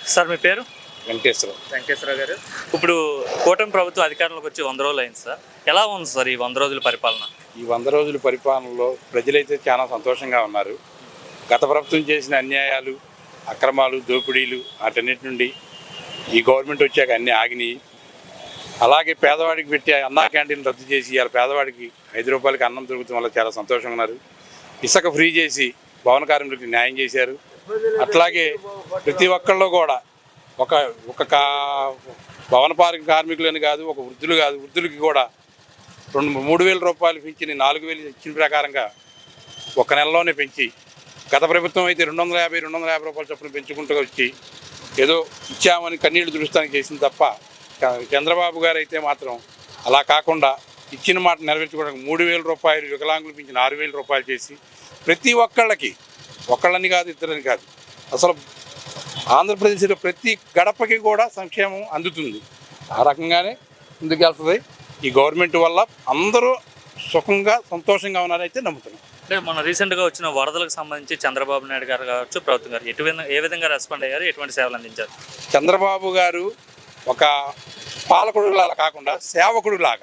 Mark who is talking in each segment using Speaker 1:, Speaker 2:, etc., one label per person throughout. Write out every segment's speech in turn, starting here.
Speaker 1: Sir మీ పేరు?
Speaker 2: వెంకటేశ్వరరావు
Speaker 1: గారు. ఇప్పుడు కూటమి ప్రభుత్వం అధికారంలోకి వచ్చి 100 రోజులు అయింది సార్. ఎలా ఉంది సార్ ఈ 100 రోజుల పరిపాలన?
Speaker 2: ఈ 100 రోజుల పరిపాలనలో ప్రజలైతే చాలా సంతోషంగా ఉన్నారు. గత ప్రభుత్వం చేసిన అన్యాయాలు, అక్రమాలు, దోపిడీలు వాటన్నిటి నుండి ఈ గవర్నమెంట్ వచ్చాక అన్నీ ఆగినాయి. అలాగే పేదవాడికి పెట్టే అన్నా క్యాంటీన్ రద్దు చేసి ఇవాళ పేదవాడికి 5 రూపాయలకి అన్నం దొరుకుతాం వల్ల చాలా సంతోషంగా ఉన్నారు. ఇసుక ఫ్రీ చేసి భవన కార్మికులకు న్యాయం చేశారు. అట్లాగే ప్రతి ఒక్కళ్ళు కూడా ఒక భవన కార్మికులని కాదు, ఒక వృద్ధులు కాదు, వృద్ధులకి కూడా 3,000 రూపాయలు పెంచి 4,000 ఇచ్చిన ప్రకారంగా ఒక నెలలోనే పెంచి, గత ప్రభుత్వం అయితే 250 రూపాయల చొప్పున పెంచుకుంటూ వచ్చి ఏదో ఇచ్చామని కన్నీళ్లు దురుస్తానికి చేసింది తప్ప, చంద్రబాబు గారు అయితే మాత్రం అలా కాకుండా ఇచ్చిన మాట నెరవేర్చుకోవడానికి 3,000 రూపాయలు వికలాంగులు పెంచి 6,000 రూపాయలు చేసి ప్రతి ఒక్కళ్ళకి, ఒక్కళ్ళని కాదు ఇద్దరని కాదు, అసలు ఆంధ్రప్రదేశ్లో ప్రతి గడపకి కూడా సంక్షేమం అందుతుంది. ఆ రకంగానే ముందుకెళ్తుంది. ఈ గవర్నమెంట్ వల్ల అందరూ సుఖంగా సంతోషంగా ఉన్నారైతే నమ్ముతున్నాం.
Speaker 1: అంటే మన రీసెంట్గా వచ్చిన వరదలకు సంబంధించి చంద్రబాబు నాయుడు గారు కావచ్చు, ప్రభుత్వం గారు ఏ విధంగా రెస్పాండ్ అయ్యారు, ఎటువంటి సేవలు అందించారు?
Speaker 2: చంద్రబాబు గారు ఒక పాలకుడిలాగా కాకుండా సేవకుడిలాగా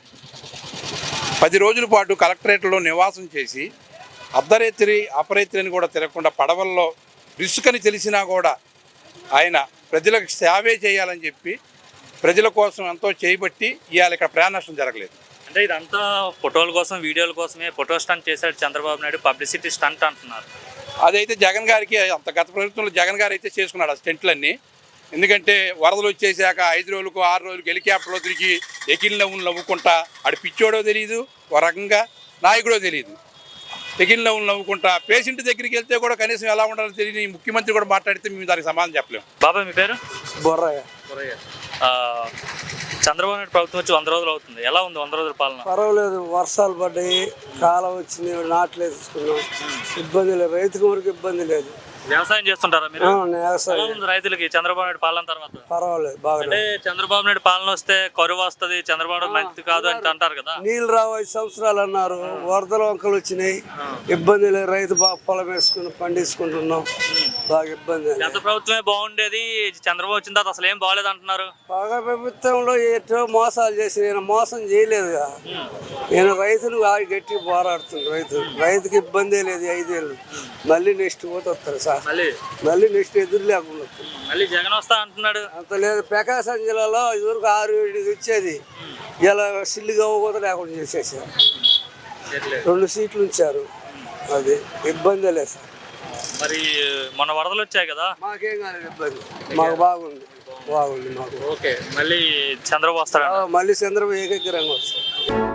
Speaker 2: 10 రోజుల పాటు కలెక్టరేట్లో నివాసం చేసి అర్ధరేత్రి అపరేత్రి అని కూడా తిరగకుండా పడవల్లో రిస్క్ అని తెలిసినా కూడా ఆయన ప్రజలకు సేవే చేయాలని చెప్పి ప్రజల కోసం ఎంతో చేయబట్టి ఇవాళ ఇక్కడ ప్రాణ నష్టం జరగలేదు.
Speaker 1: అంటే ఇదంతా ఫోటోల కోసం, వీడియోల కోసమే ఫోటో స్టంట్ చేశాడు చంద్రబాబు నాయుడు, పబ్లిసిటీ స్టంట్ అంటున్నారు.
Speaker 2: అదైతే జగన్ గారికి అంత గత ప్రభుత్వంలో జగన్ గారు అయితే చేసుకున్నాడు ఆ స్టెంట్లన్నీ. ఎందుకంటే వరదలు వచ్చేసాక 5 రోజులకు 6 రోజులకు హెలికాప్టర్లో తిరిగి ఎకిల్ నవ్వుకుంటా, ఆడు పిచ్చోడో తెలియదు, ఒక రకంగా నాయకుడో తెలియదు, ఎకిల్ నవ్వుకుంటా పేషెంట్ దగ్గరికి వెళ్తే కూడా కనీసం ఎలా ఉండాలో తెలియని ముఖ్యమంత్రి కూడా మాట్లాడితే మేము దానికి సమాధానం చెప్పలేము.
Speaker 1: బాబాయ్ మీ పేరు?
Speaker 3: బొర్రయ్య.
Speaker 1: చంద్రబాబు నాయుడు ప్రభుత్వం వచ్చి 100 రోజులు అవుతుంది. ఎలా ఉంది 100 రోజుల పాలన?
Speaker 3: పర్వాలేదు, వర్షాలు పడ్డాయి, కాలం వచ్చింది, నాట్లు వేసుకున్నాం, ఇబ్బంది లేదు, రైతుకు వరకు ఇబ్బంది లేదు.
Speaker 1: వ్యవసాయం చేస్తుంటారా మీరు?
Speaker 3: వ్యవసాయం
Speaker 1: రైతులకి చంద్రబాబు నాయుడు పాలన తర్వాత
Speaker 3: పర్వాలేదు, బాగా.
Speaker 1: అంటే చంద్రబాబు నాయుడు పాలన వస్తే కరువు వస్తుంది, చంద్రబాబు నాయుడు మంచిది కాదు అని అంటారు కదా.
Speaker 3: నీళ్ళు రావు 5 సంవత్సరాలు అన్నారు, వరదల వంకలు వచ్చినాయి, ఇబ్బంది లేదు, రైతు బాగా పొలం వేసుకుని పండించుకుంటున్నాం, బాగా ఇబ్బంది.
Speaker 1: గత ప్రభుత్వమే బాగుండేది, చంద్రబాబు వచ్చిన తర్వాత అసలు ఏం బాగలేదు అంటున్నారు.
Speaker 3: బాగా ప్రభుత్వంలో ఎటో మోసాలు చేసి నేను మోసం చేయలేదుగా, నేను రైతును గట్టిగా పోరాడుతున్నాను. రైతుకి ఇబ్బంది లేదు. 5 ఏళ్ళు మళ్ళీ నెక్స్ట్ పోతే వస్తారు సార్, మళ్ళీ నెక్స్ట్ ఎదురు లేకుండా
Speaker 1: మళ్ళీ జగన్ వస్తా అంటున్నాడు.
Speaker 3: అంత లేదు. ప్రకాశం జిల్లాలో ఇదివరకు 6-7 వచ్చేది, ఇలా సిల్లుగా కూడా లేకుండా చేసేసారు. 2 సీట్లు ఉంచారు, అది ఇబ్బంది లేదు సార్.
Speaker 1: మరి మన వరదలు వచ్చాయి కదా,
Speaker 3: మాకేం కాలేదు ఇబ్బంది, మాకు బాగుంది మాకు.
Speaker 1: ఓకే, మళ్ళీ చంద్రబాబు వస్తాడు.
Speaker 3: మళ్ళీ చంద్రబాబు ఏకగ్రంగా వస్తారు.